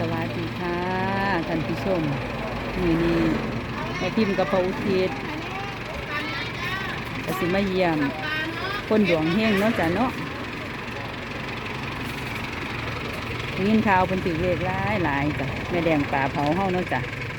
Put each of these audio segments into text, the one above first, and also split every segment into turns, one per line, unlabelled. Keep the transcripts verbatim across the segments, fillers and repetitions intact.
วัสดีค่ะท่านผู้ชมมือนี้แม่พิมพ์กับพระอุทิศก็สิมาเยี่ยมคนดวงเฮงเนาะจ้ะเนาะยินข่าวเป็นถือเลขหลายหลายจ้ะแม่แดงป่าเผาเฮาเนาะจ้ะ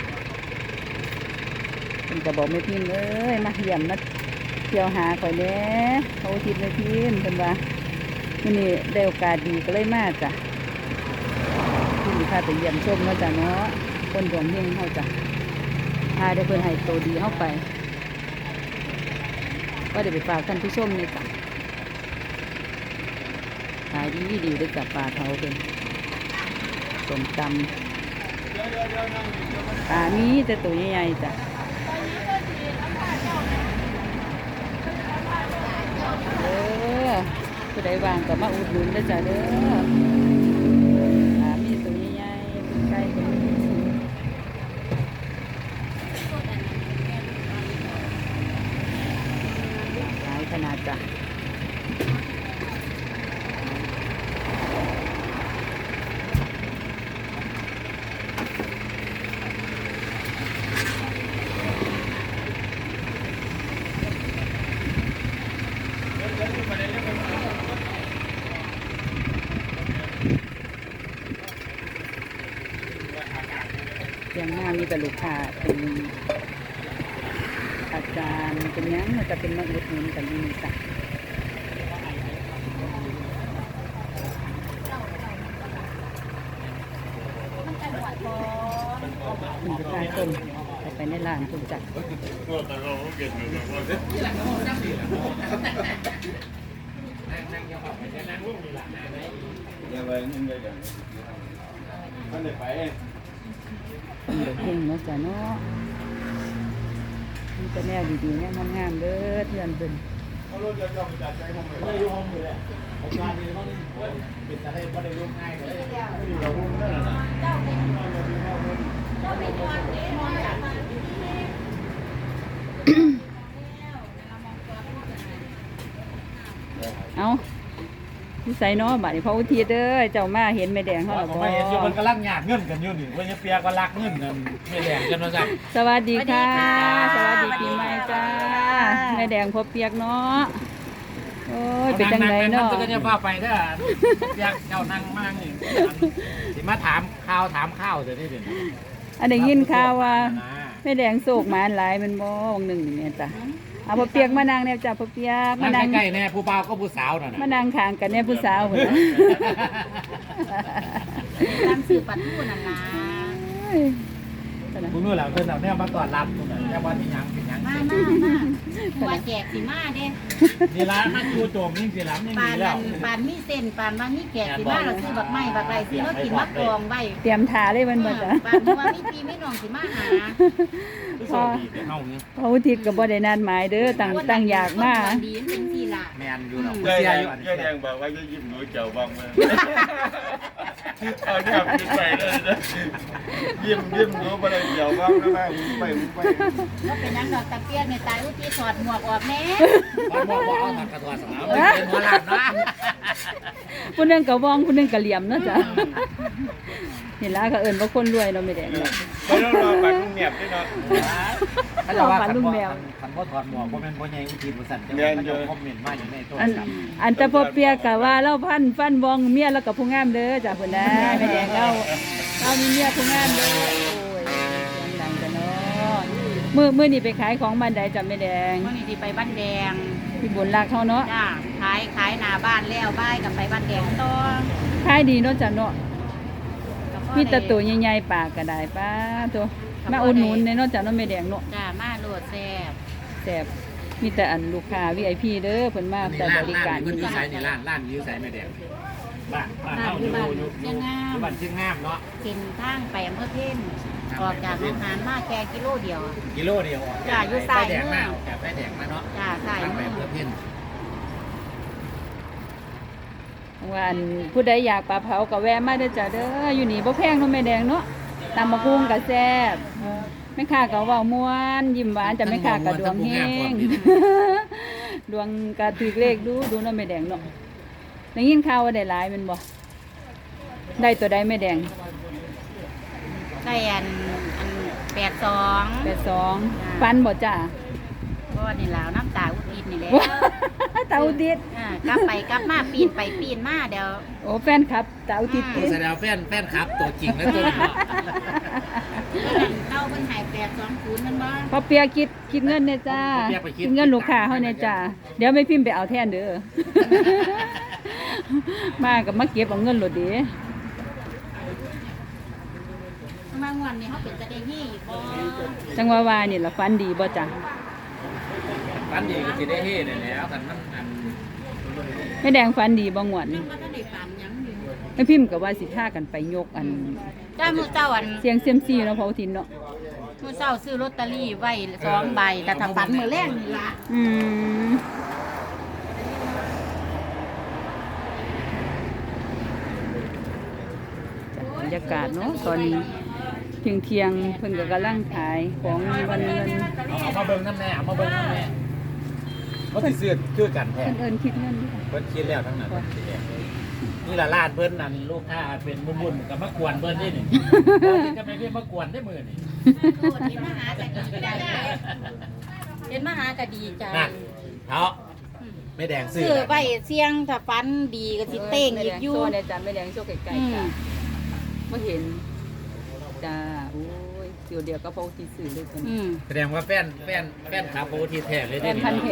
เป็นกระบอกแม่พิมพ์เอ้ยมาเยี่ยมมาเที่ยวหาข่อยแน่พระอุทิศแม่พิมพ์เพิ่นว่ามื้อนี้ได้โอกาสดีก็เลยมาจ้ะที่ข้าไปเยี่ยมชมเนาะจ้ะเนาะคนดวงเฮงเฮาจ้ะพาได้เพิ่นให้โตดีเฮาไปว่าเดี๋ยวไปฝากท่านผู้ชมนี่จ้ะขายดีดีด้วยกับปลาเผาเป็นสมตำปลามีแต่ตัวใหญ่ๆจ้ะเด้อผู้ใดวางก็มาอุดหนุนได้จ้ะเด้อปลามีตัวใหญ่ๆเป็นไก่เป็นหลายขนาดจ้ะยังหน้ามีแต่ลูกค้าเป็นอาจารย์เป็นยังมันจะเป็นมาอุดหนุนกันดีจ้ะคุณจะพาชมไปในร้านคุณจักเป็นเด็กเก่งเนาะจ้ะเนาะนี่จะแนวดีๆแนวงามๆเด้อเพื่อนเพิ่นเอาที่ใส่น้อบัดนี้พระอุทิศเด้อเจ้ามาเห็นแม่แดงเขาหรอบ่
ไม่เห็นอยู่มันกำลังหยาดเงินกันอยู่นี่ว่าจะเปียก็รักเงินกันแม่แดงกันว่าจัง
สวัสดีค่ะสวัสดีปีใหม่จ้าแม่แดงพบเปียกเนาะโอ้ยเป็นจังไดเนาะ
ก็จะว่าไปถ้าอยากเจ้านั่งมากนี่สิมาถามข้าวถามข้าวเดี๋ยวนี้เดี๋ยวนี้
อันได้ยินข่าวว่าแม่แดงโศกมาหลายมันบ่วงหนึ่งเนี่ยจ้ะเอาพอเปียกมานั่งเนี่ยจ้ะพอเปียก
มานั่งใกล้ๆแน่ผู้บ่าวก็ผู้สาวน่ะ
มานั่งข้างกันเนี่ยผู้สาวเหมือน
ตามสื่อปัดผู้นั่นล่ะ
คุณนู่นแหละเพิ่นเอาแนวมาก่อนรับคุณน่ะแนวว่าที่ยังเป็นยัง
มามามาตัวแจกสิมาเด้
นี่ร้านมาจูโจมยิ่งสิล้ำยังดีแล้ว
ปานมีเส้นปานว่ามีแจกสิมาเราซื้อบักไม้บักไรซื้อแล้วกินมะกรองไว้
เตรียมทาเลยมันหมดจ้ะ
ปานว่ามีพี่ไม่น้องสิมาหา
พอพออุทิศกับบ่ได้นัดหมายเด้อตั้งตั้งอยากมา
ดีเป็นสิล่ะ
แม่นอยู่เนาะ
เสียอยู่แดงบอกว่าจะยิ้มหนูเจ้าบ้างมั้ยเอาแค่ยิ้มไปเลยนะยิ้มยิ้มหนูบ่ได้เจ้าบ้างนะแม่ไปไป
แล้วเป็นยังดอกตะเกียบในตายอุทิศถอดหมวกออกแน่
บ่บ่บ่เอาถอดกระถอดสาวเป็นหัวหลังนะ
ผู้นึงก็ว่องผู้นึงก็เหลี่ยมเนาะจ้ะเห็นแล้วก็เอิ้นว่าคนรวยเนาะแม่แดงเนาะ
บ่ต้องรอปากลุงเงียบด้วยเนาะ
ถ้าจะว่าคันบ่คันบ่ถอดหมวกบ่แม่นบ่ใหญ่อุทิศบ่สั่นจังมันจะคอมเมนต์มาอยู่ในโทรศัพท์
อันแต่พอเปียกก็ว่าเราพันฟันวองเมียแล้วก็ผู้งามเด้อจ้ะพุ่นนะแม่แดงเราเรามีเมียผู้งามเด้อโอ้ยดังๆจ้ะเนาะมื้อมื้อนี้ไปขายของบ้านใดจ้ะแม่แดง
มื้อนี้สิไปบ้านแดง
ที่บุญรักเฮาเนาะ
จ้าขายขายหน้าบ้านแล้วบ้ายกับไปบ้านแดงต่อ
ขายดีเนาะจ้ะเนาะมีแต่ตัวใหญ่ๆปากก็ได้ป้าตัวมาอุดหนุนเนาะจ้ะเนาะแม่แดงเนาะ
จ้ามาโลดแซ่บ
แซ่บมีแต่อันลูกค้า วี ไอ พี เด้อเพิ่นมาแต่บริการ
เพิ่นอยู่ไสนี่ร้านร้านอยู่ไสแม่แดงบ้านบ้านเฮาอยู่อยู่อยู่บ้านเชียงงามเนาะ
เป็นทางไปอำเภอเพ็ญออกจากโรงงานมาแค่กิโลเดียว
กิโลเดียว
จ้าอยู่สาย
แดงมาออกจากไฟแดงมาเนาะ
จ้าสาย
ไปอำเภอเพ็ญ
ว่าอันผู้ใดอยากปลาเผาก็แวะมาเด้อจ้ะเด้ออยู่นี่บ่แพงเนาะแม่แดงเนาะตำบักหุ่งก็แซ่บแม่ค้าก็เว้าม่วนยิ้มหวานจ้ะแม่ค้าก็ดวงเฮงดวงก็ถูกเลขดูดูเนาะแม่แดงเนาะได้ยินข่าวว่าได้หลายแม่นบ่ได้ตัวใดแม่แดง
ได้อันอันแปดสอง
แปดสองฟันบ่จ้า
ก็นี่แล้วน้ำตาอุดินนี่แหละ
เตาดิด
อ่ากลับไปกลับมาปีนไปปีนมาเดี๋ยว
โอ้แฟนครับเตาดิด
โอ้แสดงว่าแฟนแฟนครับตัวจริงแล้วตัวนี้เนาะ
เราเป็นหายแปดสองศูนย์นั่นบ้าง
พอเปียคิดคิดเงินเนี่ยจ้าคิดเงินลูกค้าเขาเนี่ยจ้าเดี๋ยวไม่พิมพ์ไปเอาแทนเด้อ มากับมาเก็บเอาเงินโหลดดี
มางวันนี้เขาเป็นกระเดงนี่บ่
จังหวาวานี่ล่ะฟันดีบ่จ้ะ
ฟันดีก็สิได้เฮ็ดได้แล้วกันมันอัน
ไม่แดงฟันดีบ่งวด
ยังก็ได้ฝันยังอยู่
ไม่พิมพ์กับว่าสิท่ากันไปยกอัน
จ้ามือเจ้าอัน
เสียงเซียมซีเนาะพอทินเนาะ
มือเจ้าซื้อลอตเตอรี่ไว้สองใบแต่ถ้าฝันมือแรกนี่ละ
อืมบรรยากาศเนาะตอนนี้เที่ยงเที่ยงๆเพิ่นก็กำลังขายของวันเงิน
เอาเอามาเบิ่งน้ำแน่เอามาเบิ่งน้ำแน่เขาสิซื้อคือกันแท้
เพิ่นเอิ้นคิดเงิน
เพิ่นคิดแล้วทั้งนั้นนี่ล่ะร้านเพิ่นนั่นลูกค้าเป็นมุ่นๆก็มากวนเพิ่นนี่นี่บ่ที่จะไม่เพิ่นมากวนได้มื้อนี่
เห็นมหากะดีใจเห็นมหากะดีใจ
นั่นเฮาไม่แดงซื้อ
ซื้อไปเสี่ยงถ้าฝันดีก็สิเต้งอีกอยู่
โซ่เนี่ยจ้ะไม่แดงโซ่ไกลๆจ้ะบ่เห็นจ้าโอ้ยเดี๋ยวเดียวก็พอที่ซื้อเลยคน
อืม
แสดงว่าแฟนแฟนแฟนขาโปรทีแท้เลย
แฟ
เด้
นพันธุ์แท้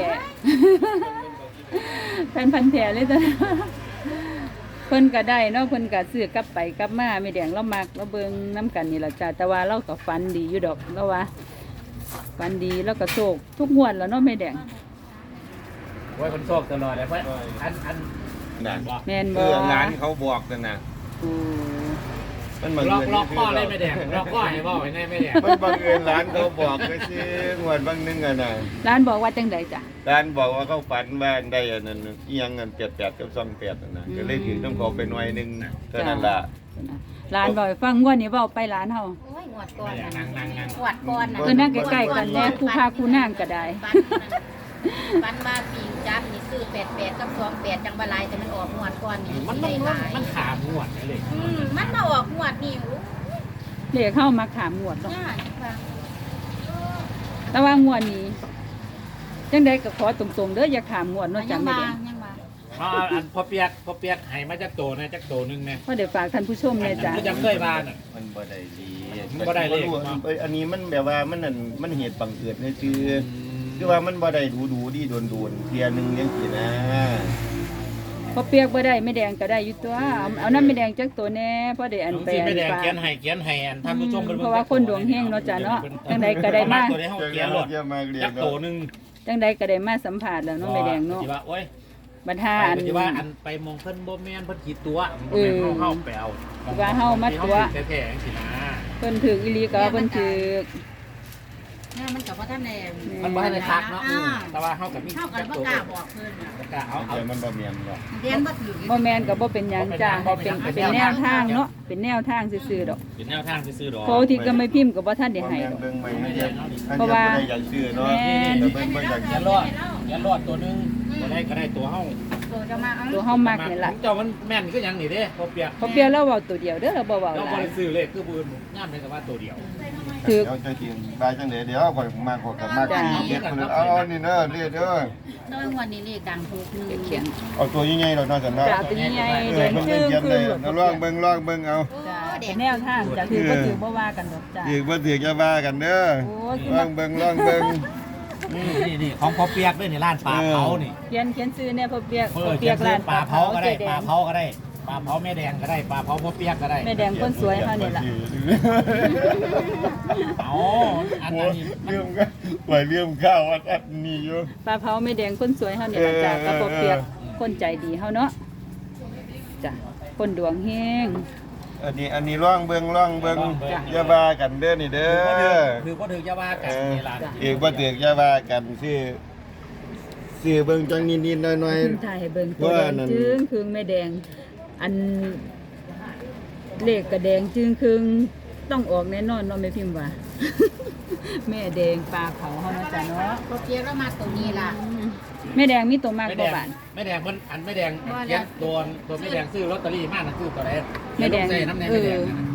แฟนพันธุ์แท้เลยจ้ะเพิ่นก็ได้เนาะเพิ่นก็ซื้อกลับไปกลับมาไม่แดงเรามักเราเบิ่งน้ำกันนี่ล่ะจ้ะแต่ว่าเราก็ฝันดีอยู่ดอกแล้วว่าฝันดีแล้วก็โชคทุกงวดแล้วเนาะไม่แดง
โอ้ยมันโชคตลอดเลยเพราะอันอัน
นั่น
แม่น
เอ
บ่
อร้านเขาบอกกันนะ
โอ้
มันบัง
ล็อก
เอิญ
ล็อกข้อเลยไม่แดงล็อกข้อให้บ่ให้แน่ไม่แดง
มันบังเอิญร้านเขาบอกก็สิงวดบางนึงอะน่ะ
ร้านบอกว่าจังใดจ้ะ
ร้านบอกว่าเขาฝันว่าได้อันนั้นเอียงเงินแปดแปดกับสองแปดนั่นนะก็เลยถือต้องขอไปหน่วยหนึงเท่านั้นล่ะ
ร้านบอกให้ฟังงวดนี้เว้าไปร้านเฮา
โอ้ยงวดก่อน
นั่งนั่งนั่ง
งวดก่อนน่ะ
เออนั่งใกล้ๆกันแน่คู่พาคู่นั่งก็ได้
ปันมาปีจับนี่ซื้อแปดแปดกับสองแปดจังบาลายแต่มันออกงวดก่อนนี่
มัน
ได้
มัน
หลาย
มันขามงวดเลย
อืมมันมาออกงวดนี่โอ้ย
เลขเข้ามาขามงวดเนาะ
ยากค่ะ
แต่ว่างวดนี้จังใดก็ขอตรงๆเด้ออย่าขามงวดเนาะ
ยั
จัง
ง
ไม่
มา
ได้
ยังมา
อ๋ออันพอเปียกพอเปียกให้มาจากโตนะจากโตนึงนะ
เพราะเดี๋ยวฝากท่านผู้ชมเลยจ้ะ
ก็ยังเคยมาน่ะ
มันบ่ได้ดี
มันบ่ได้เลข
เอ้ยอันนี้มันแบบว่ามันนั่นมันเหตุบังเอิญเลยคือคือว่ามันบ่ได้ดูดูดีโดนโดนๆเทียหนึงจังซี่นะ
พอเปียกบ่ได้ไม่แดงก็ได้อยู่ตัวเอาเอาน้ำไม่แดงจักตัวแน่เพราะได้อัน
ลุง
ไป
สิ
อั
ไม่
น
แดง
ฝาก
เขียนให้เขียนให้อันท่านผู้ชม
เพราะว่าคนดวงเฮงเนาะจ้ะเนาะจังใดก็ได้มา
ตัวนี้เฮาเขียนรถ
เขียนมาเรีย
จาก
น
โต
เนาะ
นึง
จังใดก็ได้มาสัมผัสแล้วเนาะไม่แดงเนาะ
ที่ว่าโอ้ย
บัดหา
ไป
อัน
ที่ว่าอันไปมองเพิ่นบ่แม่นเพิ่นขีดตัว
เออ
เฮาไปเอา
ว่าเฮามาตัว
แท้ๆจังซี่นะ
เพิ่นถืออีหลีก็ว่าเพิ่นถือ
เนี่ยมันกับว่าท่านแดง
มันบ่ให้ได้คักเนาะ
อ่า
แต่ว่าเฮาก็มี
เท่ากันว่ากล้าบอกเพิ่นน่ะ
กล้าเอาเอา
เดี๋ยวมันบ่แม่นหรอก
เรียนบ่ถือ
บ่แม่นก็บ่เป็นหยังจ้ะเป็นเป็นแนวทางเนาะเป็นแนวทางซื่อๆดอก
เป็นแนวทางซื้อๆดอก
โพที่ก็ไม่พิมพ์ก็บ่ทันได้
บ่
ให้
แม่น
ดอก
เบิ่งไม่ไม่ได้อัน
เพราะว่า
นี้บ่ได้อยากซื้อเนาะ
แม่น
แต่เบิ่งบ่อยาก
อย่ารอดอย่ารอดตัวนึงบ่ได้ก็ได้ตัวเฮา
ตัวจะมาเอา
ตัวเฮามักนี่ล่ะ
เจ้ามันแม่นคือหยังนี่เด้พอเปียก
พอเปียกแล้วเว้าตัวเดียวเด้อเราบ่เว้า
เรา
ห
บ่
ลาย
ได้ซื้อเลขคือปืนย่ามเป็นแต่ว่าตัวเดียว
ถือ
เดี๋ยวจะกินได้จังได๋เดี๋ยวข่อยมาขอกับมากินเฮ็ดพุ่นเอาเอานี่เด้อเรียเด้อ
น้อยวันนี้เลขดังหกหนึ่ง
เขียน
เอาตัวใหญ่ๆดอกเนาะจันเนาะ
จ้ะตัวใหญ่
เอ
แด
อง เบิ่ง
จึ้ง
เขียน
คื
เล
อย
เอาลองเบิ่งลองเบิ่งเอา
จ้ะเป็นแนวทางจ้ะถือบ่ถือบ่ว่ากันดอกจ้ะ
อีกบ่ถือจะว่ากันเด้อ
โอ้ยคือ
ล
มั
องเบิ่งลองเบิ่ง
นี่นี่นี่ของพอเปียกด้วยนี่ร้านปลาเผานี่
เขียนเขียนซื้อเนี่ยพอเปียก
เอ
พ
อ
อ
เขี
เปี
ย
ย
น
ก
ซื้
ร้า
อน ปลาเผาก็ได้
เจ๊แด
ปลาง เผาก็ได้ปลาเผาแม่แดงก็ได้ปลาเผาพอเปียกก็ได้
แม่แดงคนสวยเฮานี่ล่ะ
เอาอัน
โอ้
นี้
เรื่องก็ปล่อยเรื่องข้าวอันอันนี้อยู่
ปลาเผาแม่แดงคนสวยเฮานี่ล่ะจ้ะ
เออ
ก็พอเปียกคนใจดีเฮาเนาะจ้ะคนดวงเฮง
อันนี้อันนี้ลองเบิ่งลองเบิ่ง
จ้ะ
อย่าว่ากันเด้อนี่เด้อ
คือก็ถือจะว่า
เอ
กัน
อ
นี่ล่ะ
อีกบ่ถืออย่าว่ากันซื้อซื้อเบิ่งจังนิดๆหน่อย
ขึ้นถ่ายให้เบิ่งตัวแด
ว่าง นั่น
จึงครึงแม่แดง อันเลขกระแดงจึงครึงต้องออกแน่นอนเนาะแม่พิมพ์ว่า แม่แดงปลาเผาเฮานะจ้ะเนาะ
พอเปียกแล้วมาตัวนี้ล่ะ
แม่แดงมีตัวมาก
ไม่
ก
แด
ว่าง บาท
ไม่แดงมันอันไม่แดงเขียนตัวตัวไม่แดงซื้อลอตเตอรี่มากนะซื้อตัวไหน
แม่แดง
ใส่น้ำแดง
เอ
ไม่แด
อง
นั่นน่ะ
เนาะ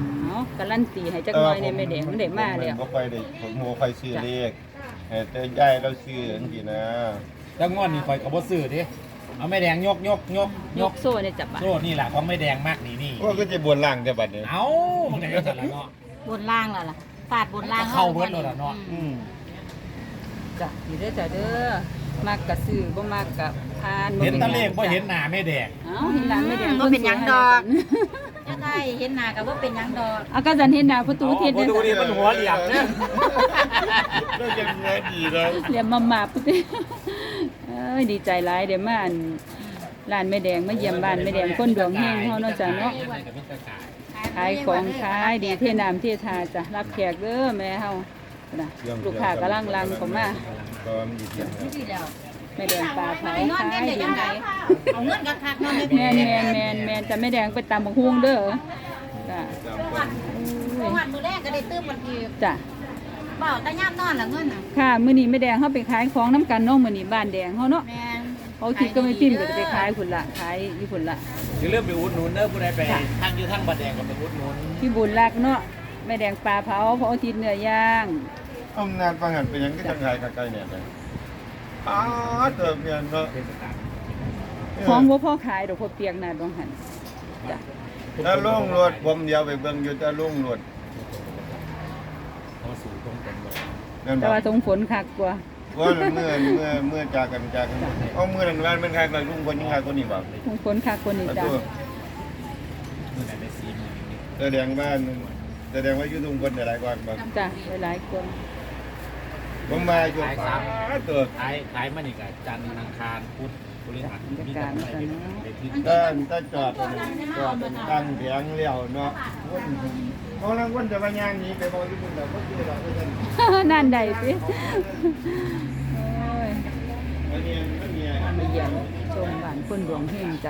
การันตีให้จักหน่อยในแม่แดงมันได้มาแล้ว
ผมบ่ค่อยได้ผมบ่ค่อยซื้อเลขแต่ยายเราซื้อจังซี่นะ
แล้วงวดนี้ข่อยก็บ่ซื้อดิเอาแม่แดงยกยกยก
ยกโซ่เนี่ยจับบ่ะ
โซ่นี่แหละของแม่แดงมากนี่นี่
โอ้ก็จะบนล่างแต่บัดนี้
เอ้ามันได้จังซั่นล่ะเนาะ
บนล่างแล้วล่ะฟาดบนล่าง
เข้าเบิดแล้วล่ะเนาะ
อืม
จ้ะนี่เด้อจ้ะเด้อมักกะซื้อบ่มักกะทานบ่
เห็น
ป็
ตะเลขบ่
จ้ะ
เห็นหน้าแม่แดง
เอ้าเห็นหน้าแม่แดง
บ่เป็นหยังดอกจะได้เห็นหน้าก็บ่เป็นหยังดอก
เอาก็จันเห็นหน้าประตูทิศ
อ๋อ
เนี่ย
ประตูนี่มันหัวเหลี่ยมเนี่ย
ก็ยังเงินดีเลย
เหลี่ยมมามาปุ๊บเอ้ยดีใจหลายเดี๋ยวมาอันร้านแม่แดงมาเยี่ยมบ้านแม่แดงคนดวงเฮงเฮาเนาะจ้ะเนาะขายของขายดีเทน้ำเททาจ้ะรับแขกเด้อแม่เฮานะลูกค้ากำลังลังเข้ามา
ก็มีเพียง
นี่สิแล้ว
แม่แดงปลาเผา
ไปนอน
ขาย
เล่นได้
ดี
จังไดเอาเงินกัคักๆนอน
แมนแมนแมนแมนจะแม่แดงไปตามบักฮวงเด้อจ้ะ
วันวันมื้อแรกก็ได้ตื้มมันอีก
จ้ะ
เบ้าแต่ยามนอนล่ะเงินน่ะ
ค่ะมื้อนี้แม่แดงเฮาไปขายของน้ำกันเนาะมื้อนี้บ้านแดงเฮาเนาะ
แม่น
เขาคิดก็ไม่พิมพ์ก็จะไปขายพุ่นละขายอยู่พุ่นละ
อย่าลืมไปอุดหนุนเด้อผู้ใดไปทางอยู่ทางบัดแดงก็ไปอุดหนุน
พี่บุญรักเนาะแม่แดงปลาเผาเพราะอาทิตย์เนื้อย่าง
อำนาจฟังหันเป็นหยังก็จังไงกับไกลเนี่ยเลยอ้าเติมเงินเนาะ
ของบ่พ่อขายดอกพ่อเปียกน่ะดองหันจ้ะ
ถ้าลุงรถผมเดียวไปเบิ่งอยู่ถ้าลุงรถ
พอสู่ตรงกันบ่
นั่น
แต่
บ่
ว่าสงฝนคักกว่า
ว่าเมื่อเมื่อเมื่อจากกันจากกันเอาเมื่อนั้นวันเป็นใครกับลุงคนยังใครคนนี้บ่
สงฝนคักกว่านี่
ประ
จ้ะ
ตู
มื้อไหนได้สี่หมื่นนี่
แสดงว่าแสดงว่าอยู่ลุงคนหลายกว่าบ่
จ้ะหลายๆคน
ผมมาอยู่ป้าตัว
ขายขายมานี่ก็จันทร์อังคารพุธพฤหัสมีแต่ไปได้ที่
ถ้าถ้าจอดจอดตั้งเสียงเลี้ยวเนาะเขาลังคนจะมาย่างนี้ไปบอกอยู่พุ่นแล้วก็คือเราเพิ่น
นั่นใดสิโอ้ย
อันนี้มันมี
มาเยี่ยมชมบ้านคนดวงเฮงจ้ะ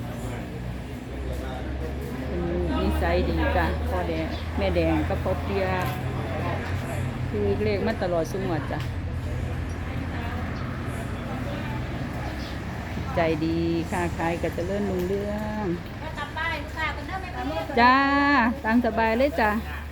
เป็นนิสัยดีจ้ะพ่อแดงแม่แดงกับพ่อเปียกคือเลขมาตลอดสุงวดจ้ะใจดีค้าขายก็เจริญรุ่งเรือง
ก็กลับบ้านลูกค้ากันเด้อแม่พี่
จ้าตามสบายเลยจ้ะ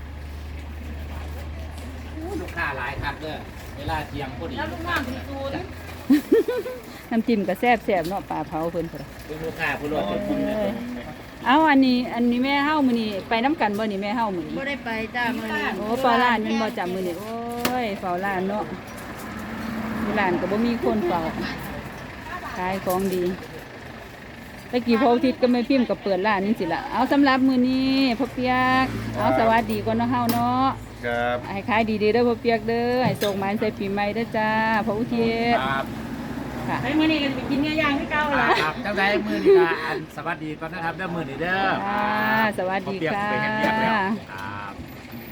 ลูกค้าหลายครับเด้อเวลาเที่ยงพอดี
แล้วลูกน้องที่ศูนย์
น้ำจิ้มก็แซ่บแซ่บๆเนาะปลาเผาเพิ่นพุ่น
เป็นลูกค้าผู้รอดคนนะ
เอาอันนี้อันนี้แม่เฮามื้อนี้ไปน้ำกันบ่นี่แม่เฮามื้อนี้
บ่ได้ไปจ้ามื้อนี้
โอ้เฝ้าร้านแม่นบ่จ้ะมื้อนี้โอ้ยเฝ้าร้านเนาะอยู่ร้านก็บ่มีคนเฝ้าขายของดีตะกี้พออาทิตย์ก็ไม่พิมพ์ก็เปิดร้านนี่สิล่ะเอาสำหรับมื้อนี้พ่อเปียกเอาสวัสดีก่อนเนาะเฮาเนาะ
ครับ
ให้ขายดีๆเด้อพ่อเปียกเด้อให้ส่งหมายใส่ปีใหม่เด้อจ้าพ่ออุทิศ
ครับ
ค่ะ
ไปมื้อนี้ก็จะไปกินเนื้อย่างที่เก่าล่ะ
ครับจังไดมื้อนี้ก็อันสวัสดีก่อนนะครับเด้อมื้อนี้เด้อ
ค่ะสวัสดี
เปียก
ค่ะ
ไปเฮ็ดเวียกแล้วครับ